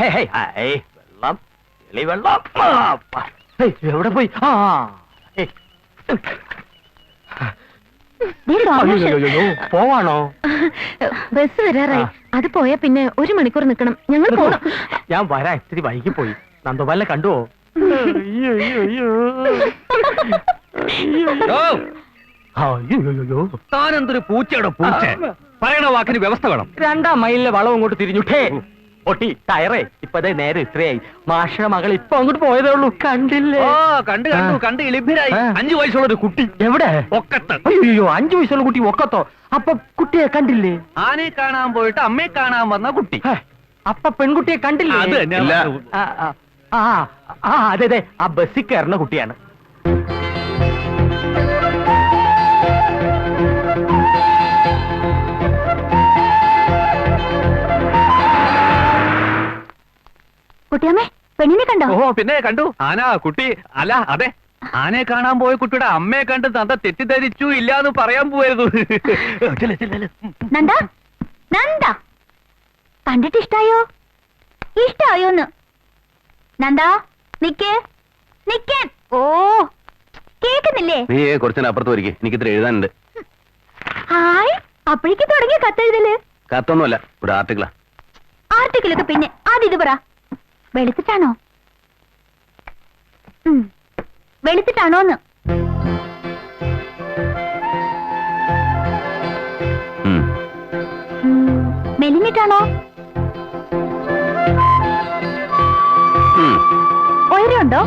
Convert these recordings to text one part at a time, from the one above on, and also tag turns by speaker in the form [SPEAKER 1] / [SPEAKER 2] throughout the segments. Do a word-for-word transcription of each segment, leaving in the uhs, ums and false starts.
[SPEAKER 1] വെള്ളം എളി വെള്ളം എവിടെ പോയി? ആ പോവാണോ?
[SPEAKER 2] ബസ് വരാറായി. അത് പോയാ പിന്നെ ഒരു മണിക്കൂർ നിൽക്കണം. ഞങ്ങൾ പോണം.
[SPEAKER 1] ഞാൻ വരാ, ഇത്തിരി വൈകി പോയി. നന്ദോപാലിനെ കണ്ടുവോ?
[SPEAKER 3] താനെന്തൊരു പൂച്ചയുടെ പൂച്ച. പറയണ വാക്കിന് വ്യവസ്ഥ വേണം.
[SPEAKER 1] രണ്ടാം മൈലിലെ വളം അങ്ങോട്ട് തിരിഞ്ഞുട്ടേ പൊട്ടി ടയറേ. ഇപ്പതേ നേരെ ഇത്രയായി. മാഷ മകൾ ഇപ്പൊ അങ്ങോട്ട് പോയതേ ഉള്ളൂ. കണ്ടില്ലേ?
[SPEAKER 3] ഓ കണ്ടു കണ്ടു കണ്ട് ഇളിഭരായി. അഞ്ചു വയസ്സുള്ള ഒരു കുട്ടി.
[SPEAKER 1] എവിടെ?
[SPEAKER 3] ഒക്കത്ത്.
[SPEAKER 1] അയ്യോ, അഞ്ചു വയസ്സുള്ള കുട്ടി ഒക്കത്തോ? അപ്പൊ കുട്ടിയെ കണ്ടില്ലേ?
[SPEAKER 3] ആനയെ കാണാൻ പോയിട്ട് അമ്മയെ കാണാൻ വന്ന കുട്ടി.
[SPEAKER 1] അപ്പൊ പെൺകുട്ടിയെ കണ്ടില്ലേ?
[SPEAKER 3] അത്
[SPEAKER 1] ആ ആ അതെ അതെ, ആ ബസ്സിൽ കയറുന്ന കുട്ടിയാണ്.
[SPEAKER 2] കുട്ടിയമ്മേ, പെണ്ണിനെ കണ്ടോ?
[SPEAKER 3] ഓ പിന്നെ കണ്ടു. ആന കുട്ടി അല്ല, അതെ, ആനയെ കാണാൻ പോയ കുട്ടിയുടെ അമ്മയെ കണ്ട് തന്ത തെറ്റിദ്ധരിച്ചു ഇല്ലാന്ന് പറയാൻ പോയത്.
[SPEAKER 2] നന്ദ നന്ദ കണ്ടിട്ട് ഇഷ്ടായോ? ഇഷ്ടായോന്ന്? നന്ദ നിക്കേ നിക്കേ. ഓ കേക്കുന്നില്ലേ?
[SPEAKER 4] നീ കുറച്ചപ്പുറത്ത് വരിക, എനിക്ക് ഇത്ര എഴുതാനുണ്ട്.
[SPEAKER 2] ഹായ്, അപ്പോഴേക്ക് തുടങ്ങിയ കത്തെഴുതല്?
[SPEAKER 4] കത്തൊന്നുമല്ല, ഒരു ആർട്ടിക്കിളാ.
[SPEAKER 2] ആർട്ടിക്കിലൊക്കെ പിന്നെ ആദ്യം ഇത് പറ. വെളുത്തിട്ടാണോ? വെളുത്തിട്ടാണോന്ന്? മെലിഞ്ഞിട്ടാണോ? ഉയരമുണ്ടോ?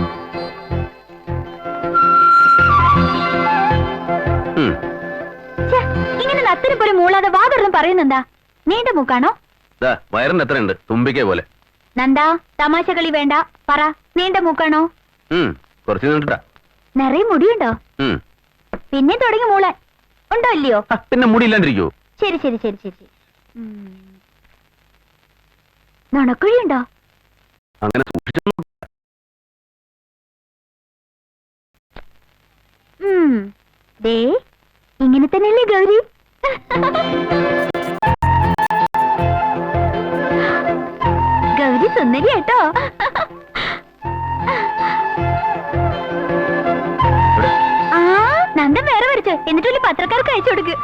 [SPEAKER 2] ഇങ്ങനെ നത്തിന് പോലെ മൂളാതെ വാതൊന്നും പറയുന്നെന്താ? നീണ്ട മൂക്കാണോ?
[SPEAKER 4] വയറിന് എത്ര ഉണ്ട്? തുമ്പിക്കേ പോലെ.
[SPEAKER 2] നന്ദാ, തമാശ കളി വേണ്ട. പറ, നീണ്ട മൂക്കാണോ?
[SPEAKER 4] കുറച്ച് നീണ്ടിട്ടാ.
[SPEAKER 2] നിറയെ മുടിയുണ്ടോ? പിന്നെ തുടങ്ങി മൂളാൻ. ഉണ്ടോ ഇല്ലയോ?
[SPEAKER 4] പിന്നെ മുടിയില്ലാണ്ടിരിക്കോ?
[SPEAKER 2] ശരി ശരി ശരി ശരി. നുണക്കുഴിയുണ്ടോ?
[SPEAKER 4] അങ്ങനെ സൂക്ഷിച്ചു.
[SPEAKER 2] ദേ ഇങ്ങനെ തന്നെയല്ലേ ഗൗരി? ഗൗരി സുന്ദരി കേട്ടോ. ആ നന്ദൻ വേറെ വരച്ചു, എന്നിട്ട് വലിയ പത്രക്കാർക്ക് അയച്ചു കൊടുക്ക്.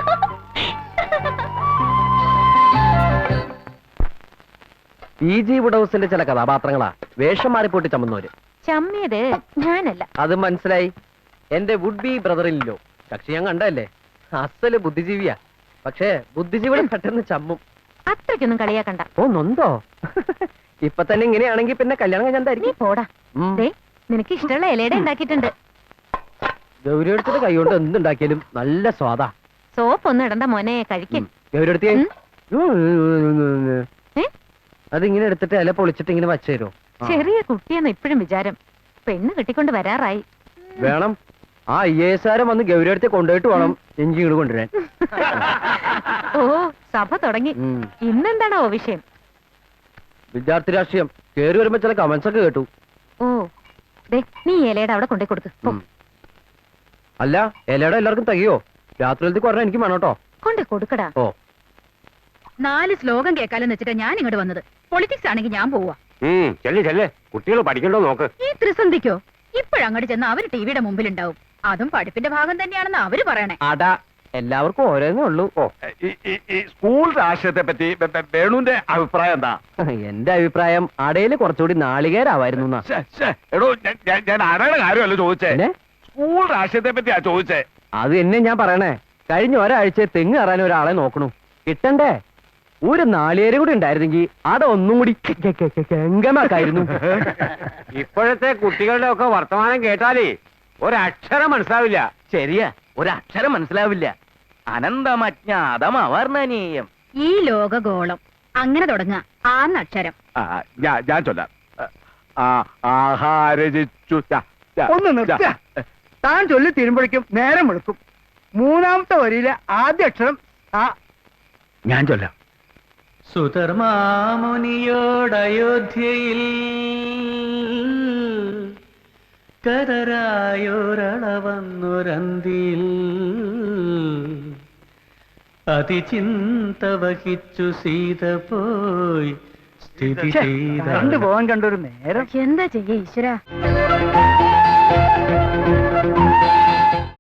[SPEAKER 1] പി ജി വുഡൌസിന്റെ ചില കഥാപാത്രങ്ങളാ വേഷം മാറിപ്പോട്ട് ചമ്മന്നവര്.
[SPEAKER 2] ചമ്മിയത് ഞാനല്ല.
[SPEAKER 1] അത് മനസ്സിലായി. എന്റെ വുഡ് ബി ബ്രദറിലോ കക്ഷി ഞാൻ കണ്ടല്ലേ, അസല് ബുദ്ധിജീവിയാ. പക്ഷേ ബുദ്ധിജീവികൾ പെട്ടെന്ന് ചമ്മും.
[SPEAKER 2] അത്രയ്ക്കൊന്നും കളിയാക്കണ്ട.
[SPEAKER 1] ഓ നൊന്തോ? ഇപ്പൊ തന്നെ ഇങ്ങനെയാണെങ്കിൽ പിന്നെ കല്യാണം കഴിഞ്ഞാൽ
[SPEAKER 2] നീ പോടാ. നിനക്ക് ഇഷ്ടമുള്ള ഇലയുടെ ഉണ്ടാക്കിയിട്ടുണ്ട്.
[SPEAKER 1] ഗൗരി എടുത്തിട്ട് കൈകൊണ്ട് എന്തുണ്ടാക്കിയാലും നല്ല സ്വാദാ.
[SPEAKER 2] സോപ്പ് ഒന്നും ഇടണ്ട മോനെ, കഴിക്കും.
[SPEAKER 1] ഗൗരി എടുത്തേ. അതിങ്ങനെ എടുത്തിട്ട് ഇല പൊളിച്ചിട്ട് ഇങ്ങനെ വച്ചു തരുമോ?
[SPEAKER 2] ചെറിയ കുട്ടിയെന്ന് ഇപ്പോഴും വിചാരം. പെണ്ണ് കെട്ടിക്കൊണ്ട് വരാറായി.
[SPEAKER 1] വേണം. ആ ഐ എസ് ആരം വന്ന് ഗൗരി അടുത്ത് കൊണ്ടുപോയിട്ട് വേണം എഞ്ചിങ്ങൾ കൊണ്ടുവരാൻ.
[SPEAKER 2] ഓ സഭ തുടങ്ങി. ഇന്നെന്താണോ വിഷയം?
[SPEAKER 1] വിദ്യാർത്ഥി രാഷ്ട്രീയം. കേറി വരുമ്പോ ചില കമന്റ്സ് ഒക്കെ കേട്ടു.
[SPEAKER 2] ഓ ദേ, നീ ഇലയുടെ അവിടെ കൊണ്ടേ കൊടുക്ക്.
[SPEAKER 1] അല്ല, ഇലയുടെ എല്ലാവർക്കും തകയോ? രാത്രിയിലത്തെ കുറഞ്ഞ എനിക്ക് വേണം കേട്ടോ.
[SPEAKER 2] കൊണ്ടേ കൊടുക്കടാ.
[SPEAKER 1] ഓ
[SPEAKER 5] നാല് ശ്ലോകം കേൾക്കാലെന്ന് വെച്ചിട്ടാ ഞാൻ ഇങ്ങോട്ട് വന്നത്. പൊളിറ്റിക്സ് ആണെങ്കിൽ ഞാൻ പോവാ.
[SPEAKER 4] ചെല്ലേ ചെല്ലേ, കുട്ടികൾ പഠിക്കണ്ടോ നോക്ക്.
[SPEAKER 5] ഈ ത്രിസന്ധിക്കോ? ഇപ്പോഴങ്ങോട്ട് ചെന്ന് അവര് ടിവിയുടെ മുമ്പിലുണ്ടാവും. അതും പഠിപ്പിന്റെ ഭാഗം തന്നെയാണെന്ന് അവര് പറയണേ.
[SPEAKER 1] അടാ, എല്ലാവർക്കും ഓരോന്നേ ഉള്ളൂ. ഓ
[SPEAKER 4] സ്കൂൾ രാഷ്ട്രീയത്തെ പറ്റി വേണുവിന്റെ അഭിപ്രായം എന്താ?
[SPEAKER 1] എന്റെ അഭിപ്രായം അടയില് കുറച്ചുകൂടി നാളികേരാവായിരുന്നു.
[SPEAKER 4] എടോ, ഞാൻ ആരുടെ കാര്യമല്ല ചോദിച്ചേ, സ്കൂൾ രാഷ്ട്രീയത്തെ പറ്റിയാ ചോദിച്ചേ.
[SPEAKER 1] അത് എന്നെ ഞാൻ പറയണേ. കഴിഞ്ഞ ഒരാഴ്ച തെങ്ങ് കയറാൻ ഒരാളെ നോക്കണു. കിട്ടണ്ടേ? ഒരു നാളികേര് കൂടി ഉണ്ടായിരുന്നെങ്കിൽ അതൊന്നും കൂടി ഗംഗമാക്കായിരുന്നു.
[SPEAKER 4] ഇപ്പോഴത്തെ കുട്ടികളുടെ ഒക്കെ വർത്തമാനം കേട്ടാലേ ഒരക്ഷരം മനസ്സിലാവില്ല.
[SPEAKER 1] ശരിയാ, ഒരക്ഷരം മനസ്സിലാവില്ല. അനന്തമജ്ഞാതമവർണ്ണനീയം.
[SPEAKER 5] ഈ ലോകഗോളം അങ്ങനെ തുടങ്ങാ ആന്നക്ഷരം.
[SPEAKER 4] ഞാൻ ചൊല്ലാം. ആഹാരജിച്ചു.
[SPEAKER 6] ഒന്ന് നിർത്ത. താൻ ചൊല്ലി തീരുമ്പോഴേക്കും നേരം വെളുക്കും. മൂന്നാമത്തെ വരിയിലെ ആദ്യ അക്ഷരം ആ.
[SPEAKER 4] ഞാൻ ചൊല്ലാം.
[SPEAKER 1] സുധർമാമുനിയോടയോധ്യയിൽ കരരായോരളവന്നൊരന്തിയിൽ അതിചിന്ത വഹിച്ചു സീത പോയി
[SPEAKER 6] കണ്ടുപോകാൻ കണ്ടൊരു നേരം.
[SPEAKER 5] എന്താ ചെയ്യ ഈശ്വര